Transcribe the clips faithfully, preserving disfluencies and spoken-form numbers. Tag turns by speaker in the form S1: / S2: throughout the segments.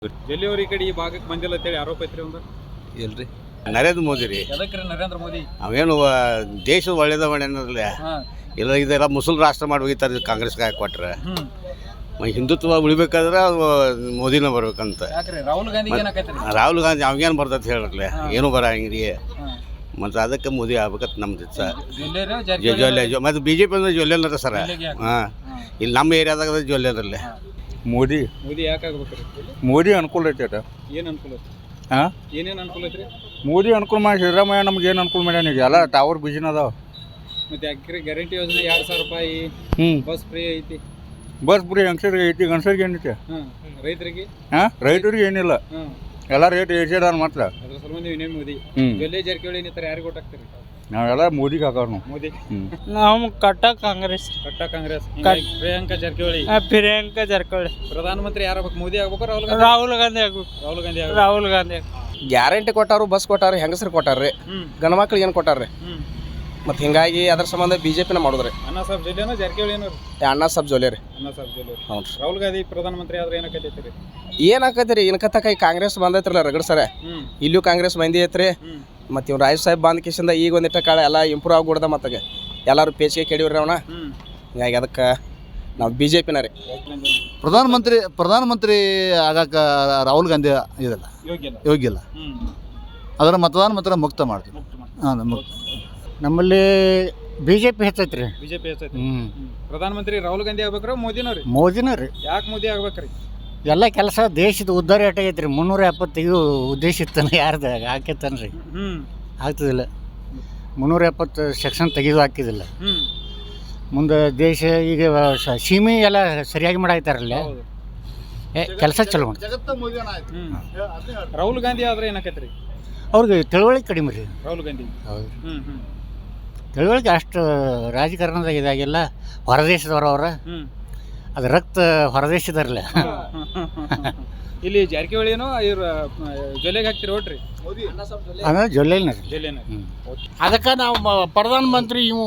S1: ಜಲ್ಲಿಯವ್ರ ಈ ಕಡೆ ಈ ಭಾಗಕ್ಕೆ ಬಂದಿಲ್ಲ ಅಂತೇಳಿ ಆರೋಪ ಐತ್ರಿ ಒಂದು
S2: ಇಲ್ರಿ ನರೇಂದ್ರ ಮೋದಿ ರೀ
S1: ಎದಕ್ರಿ ನರೇಂದ್ರ ಮೋದಿ
S2: ಅವೇನು ದೇಶದ ಒಳ್ಳೇದ ಒಳ್ಳೆನಲ್ಲ ಇಲ್ಲ ಇದೆಲ್ಲ ಮುಸಲ್ ರಾಷ್ಟ್ರ ಮಾಡಿ ಹೋಗಿತಾರೆ ಕಾಂಗ್ರೆಸ್ಗೆ ಹಾಕಿ ಕೊಟ್ರೆ ಹಿಂದುತ್ವ ಉಳಿಬೇಕಾದ್ರೆ ಮೋದಿನ ಬರ್ಬೇಕಂತ
S1: ರಾಹುಲ್ ಗಾಂಧಿ
S2: ರಾಹುಲ್ ಗಾಂಧಿ ಅವಾಗೇನು ಬರ್ತೈತೆ ಹೇಳ್ರಲ್ಲ ಏನು ಬರಂಗಿರಿ ಮತ್ತು ಅದಕ್ಕೆ ಮೋದಿ ಆಗ್ಬೇಕಂತ ನಮ್ದು ಇಷ್ಟ ಜೊಲ್ಲೆ ಮತ್ತು ಬಿ ಜೆ ಪಿ ಅಂದ್ರೆ ಜೊಲ್ಲೆನರ ಸರ ಹಾಂ ಇಲ್ಲಿ ನಮ್ಮ ಏರಿಯಾದಾಗ ಜೊಲ್ಲೆನರಲ್ಲೇ
S3: ಮೋದಿ
S1: ಮೋದಿ ಯಾಕೆ ಆಗ್ಬೇಕ್ರಿ
S3: ಮೋದಿ ಅನುಕೂಲ ಐತೆ ಅಟ
S1: ಏನು ಅನುಕೂಲ ಐತಿ
S3: ಹಾಂ
S1: ಏನೇನು ಅನುಕೂಲ ಐತ್ರಿ
S3: ಮೋದಿ ಅನುಕೂಲ ಮಾಡಿ ಸಿದ್ದರಾಮಯ್ಯ ನಮ್ಗೆ ಏನು ಅನುಕೂಲ ಮಾಡ್ಯಾನ ಈಗ ಎಲ್ಲ ಟವರ್ ಬಿಜಿನ ಅದಾವ
S1: ಮತ್ತೆ ಯಾಕ್ರಿ ಗ್ಯಾರಂಟಿ ಯೋಜನೆ ಎರಡು ಸಾವಿರ ರೂಪಾಯಿ
S3: ಹ್ಞೂ
S1: ಬಸ್ ಫ್ರೀ ಐತಿ
S3: ಬಸ್ ಫ್ರೀ ಹೆಂಗಸರಿಗೆ ಐತಿ ಗಂಡಸರಿಗೆ ಏನೈತೆ
S1: ಹಾಂ ರೈತರಿಗೆ
S3: ಹಾಂ ರೈತರಿಗೆ ಏನಿಲ್ಲ
S1: ಹಾಂ
S3: ಎಲ್ಲ ರೇಟ್ ಏರ್ಸಿದಾರ ಮಾತ್ರ
S1: ಅದ್ರ ಸಲುವಾಗಿ ನೀವು ಇನ್ನೇನು ಮೋದಿ
S3: ಹ್ಞೂ
S1: ಜೊಲ್ಲೆ ಜಾರಕಿಹೊಳಿ ಇನ್ನಿತರ ಯಾರಿಗೆ ಕೊಟ್ಟಾಕ್ತೀರಿ
S3: ನಾವೆಲ್ಲ ಮೋದಿಗೆ ಹಾಕೋರು ನಾವು
S1: ಮೋದಿ
S3: ಹ್ಞೂ
S4: ನಾವು ಕಟ್ಟ ಕಾಂಗ್ರೆಸ್
S1: ಕಟ್ಟ ಕಾಂಗ್ರೆಸ್ ಹಿಂಗಾಗಿ ಪ್ರಿಯಾಂಕಾ ಜಾರಕಿಹೊಳಿ
S4: ಪ್ರಿಯಾಂಕಾ ಜಾರಕಿಹೊಳಿ
S1: ಪ್ರಧಾನಮಂತ್ರಿ ಯಾರಾಗಬೇಕು ಮೋದಿ ಆಗ್ಬೇಕು ರಾಹುಲ್ ಗಾಂಧಿ
S4: ರಾಹುಲ್ ಗಾಂಧಿ ಆಗ್ಬೇಕು
S1: ರಾಹುಲ್ ಗಾಂಧಿ ಆಗ್ಬೇಕು
S4: ರಾಹುಲ್ ಗಾಂಧಿ
S5: ಗ್ಯಾರಂಟಿ ಕೊಟ್ಟಾರು ಬಸ್ ಕೊಟ್ಟಾರ ಹೆಂಗಸರು ಕೊಟ್ಟಾರ್ರಿ
S1: ಹ್ಮ್
S5: ಗಂಡ ಮಕ್ಳಿಗೆ ಏನು ಕೊಟ್ಟಾರ್ರಿ
S1: ಹ್ಮ್
S5: ಮತ್ತು ಹಿಂಗಾಗಿ ಅದ್ರ ಸಂಬಂಧ ಬಿ ಜೆ ಪಿನ ಮಾಡಿದ್ರಿ
S1: ಅಣ್ಣ ಸಾಹೇಬ್ ಜೊಲ್ಲೆನೋ ಜಾರಕಿಹೊಳಿ ಏನೋ
S5: ಅಣ್ಣ ಸಾಬ್ ಜೋಲೆ ರೀ
S1: ಅಣ್ಣ ಸಾಹೇಬ್ ಜೊಲ್ಲೆ
S5: ಹ್ಞೂ ರೀ
S1: ರಾಹುಲ್ ಗಾಂಧಿ ಪ್ರಧಾನಮಂತ್ರಿ ಆದ್ರೆ ಏನಕ್ಕೈತಿ ರೀ
S5: ಏನಾಕೈತಿ ರೀ ಇನ್ಕತ್ತ ಕೈ ಕಾಂಗ್ರೆಸ್ ಬಂದೈತ್ರಲ್ಲ ರಗಡ್ ಸರ
S1: ಹ್ಮ್
S5: ಇಲ್ಲೂ ಕಾಂಗ್ರೆಸ್ ಬಂದಿ ಐತ್ರಿ
S1: ಹ್ಮ್
S5: ಮತ್ತು ಇವ್ನು ರಾಜ್ ಸಾಹೇಬ್ ಬಂದ ಕಿಶಿಂದ ಈಗ ಒಂದಿಟ್ಟ ಕಾಳ ಎಲ್ಲ ಇಂಪ್ರೂವ್ ಆಗ್ಬಿಡ್ದ ಮತ್ತಾಗ ಎಲ್ಲರೂ ಪೇಚಿಗೆ ಕೆಡಿವ್ರಿ ಅವನ
S1: ಹ್ಮ್
S5: ಹಿಂಗಾಗಿ ಅದಕ್ಕೆ ನಾವು ಬಿ ಜೆ ಪಿನ ರೀ
S6: ಪ್ರಧಾನಮಂತ್ರಿ ಪ್ರಧಾನಮಂತ್ರಿ ಆಗಾಕ ರಾಹುಲ್ ಗಾಂಧಿ ಇದಲ್ಲ
S1: ಯೋಗ್ಯ ಇಲ್ಲ
S6: ಯೋಗ್ಯ ಇಲ್ಲ
S1: ಹ್ಮ್
S6: ಅದರ ಮತದಾನ ಮಾತ್ರ ಮುಕ್ತ ಮಾಡ್ತೀವಿ
S1: ಮುಕ್ತ ಮಾಡಿ
S6: ಹಾಂ ಮುಕ್ತ
S4: ನಮ್ಮಲ್ಲಿ ಬಿ ಜೆ ಪಿ ಹೆಚ್ಚೈತ್ರಿ
S1: ಬಿಜೆಪಿ ಹೆಚ್ಚೈತಿ
S4: ಹ್ಞೂ
S1: ಹ್ಮ್. ಪ್ರಧಾನಮಂತ್ರಿ ರಾಹುಲ್ ಗಾಂಧಿ ಆಗ್ಬೇಕ್ರ ಮೋದಿನೋ ರೀ
S4: ಮೋದಿನ ರೀ
S1: ಯಾಕೆ ಮೋದಿ ಆಗ್ಬೇಕ್ರಿ
S4: ಎಲ್ಲ ಕೆಲಸ ದೇಶದ ಉದ್ಧಾರ ಎಟ್ಟಾಗೈತ್ರಿ ಮುನ್ನೂರ ಎಪ್ಪತ್ತೈದು ಉದ್ದೇಶ ಇತ್ತನ ಯಾರ್ದು ಹಾಕೈತನ್ರಿ
S1: ಹ್ಮ್
S4: ಆಗ್ತದಿಲ್ಲ ಮುನ್ನೂರ ಎಪ್ಪತ್ತು ಸೆಕ್ಷನ್ ತೆಗೆದು ಹಾಕಿದಿಲ್ಲ
S1: ಹ್ಮ್
S4: ಮುಂದೆ ದೇಶ ಈಗ ಸ- ಸೀಮೆ ಎಲ್ಲ ಸರಿಯಾಗಿ ಮಾಡಾಯ್ತಾರಲ್ಲ
S1: ಹೌದು
S4: ಏ ಕೆಲಸ ಚಲೋ ಮಾಡಿ
S1: ಹ್ಮ್ ರಾಹುಲ್ ಗಾಂಧಿ ಆದ್ರೆ ಏನಕ್ಕೈತ್ರಿ
S4: ಅವ್ರಿಗೆ ತಿಳುವಳಿಕೆ ಕಡಿಮೆ ರೀ
S1: ರಾಹುಲ್ ಗಾಂಧಿ
S4: ಹೌದು
S1: ಹ್ಮ್ ಹ್ಮ್
S4: ತಿಳುವಳಿಕೆ ಅಷ್ಟು ರಾಜಕಾರಣದಾಗ ಇದಾಗಿಲ್ಲ ಹೊರದೇಶದವ್ರು ಅವ್ರ
S1: ಹ್ಮ್
S4: ಅದು ರಕ್ತ ಹೊರದೇಶದವ್ರಲ್ಲ
S1: ಇಲ್ಲಿ ಜಾರಕಿಹೊಳಿ ಏನೋ ಇವ್ರ ಜೊಲ್ಲೆಗೆ ಹಾಕ್ತಿರಿ ಓಟ್ರಿ
S4: ಅಂದ್ರೆ ಜೊಲ್ಲೆನ ರೀ
S1: ಜೊಲ್ಲೆನ
S7: ಅದಕ್ಕೆ ನಾವು ಮ- ಪ್ರಧಾನ ಮಂತ್ರಿ ಇವು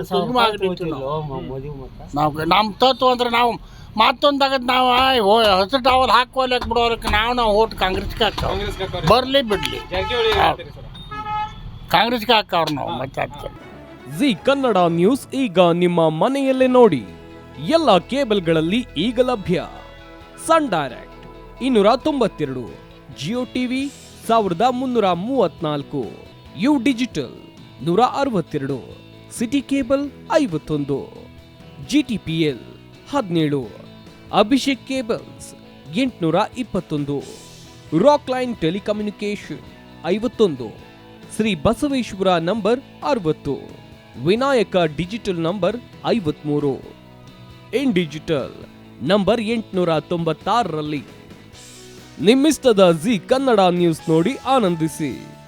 S7: ನಾವು ನಮ್ಮ ತತ್ವ ಅಂದ್ರೆ ನಾವು ಮತ್ತೊಂದಾಗದ್ ನಾವು ಹಸಿರು ಟಾವಲ್ ಹಾಕೋಲಕ್ಕೆ ಬಿಡೋದಕ್ಕೆ ನಾವು ನಾವು ಓಟ್ ಕಾಂಗ್ರೆಸ್ಗೆ ಹಾಕವ್
S1: ಕಾಂಗ್ರೆಸ್ಗೆ ಹಾಕೋರಿ
S7: ಬರಲಿ ಬಿಡಲಿ
S1: ಜಾರಕಿಹೊಳಿ ಹೇಳ್ತೀರಿ ಸರ್
S7: ಕಾಂಗ್ರೆಸ್ಗೆ ಹಾಕವ್ರು ನಾವು ಮತ್ತೆ ಅದಕ್ಕೆ
S8: ಜಿ ಕನ್ನಡ ನ್ಯೂಸ್ ಈಗ ನಿಮ್ಮ ಮನೆಯಲ್ಲೇ ನೋಡಿ ಎಲ್ಲ ಕೇಬಲ್ಗಳಲ್ಲಿ ಈಗ ಲಭ್ಯ. ಸನ್ ಡೈರೆಕ್ಟ್ ಇನ್ನೂರ ತೊಂಬತ್ತೆರಡು, ಜಿಯೋ ಟಿವಿ ಸಾವಿರದ ಮುನ್ನೂರ ಮೂವತ್ನಾಲ್ಕು, ಯು ಡಿಜಿಟಲ್ ನೂರ ಅರವತ್ತೆರಡು, ಸಿಟಿ ಕೇಬಲ್ ಐವತ್ತೊಂದು, ಜಿ ಟಿ ಪಿ ಎಲ್ ಹದಿನೇಳು, ಅಭಿಷೇಕ್ ಕೇಬಲ್ಸ್ ಎಂಟುನೂರ ಇಪ್ಪತ್ತೊಂದು, ರಾಕ್ ಲೈನ್ ಟೆಲಿಕಮ್ಯುನಿಕೇಶನ್ ಐವತ್ತೊಂದು, ಶ್ರೀ ಬಸವೇಶ್ವರ ನಂಬರ್ ಅರವತ್ತು, ವಿನಾಯಕ ಡಿಜಿಟಲ್ ನಂಬರ್ ಐವತ್ಮೂರು, ಇನ್ ಡಿಜಿಟಲ್ ನಂಬರ್ ಎಂಟುನೂರ ತೊಂಬತ್ತಾರರಲ್ಲಿ. ನಿಮ್ಮಿಸ್ತದ ಜಿ ಕನ್ನಡ ನ್ಯೂಸ್ ನೋಡಿ ಆನಂದಿಸಿ.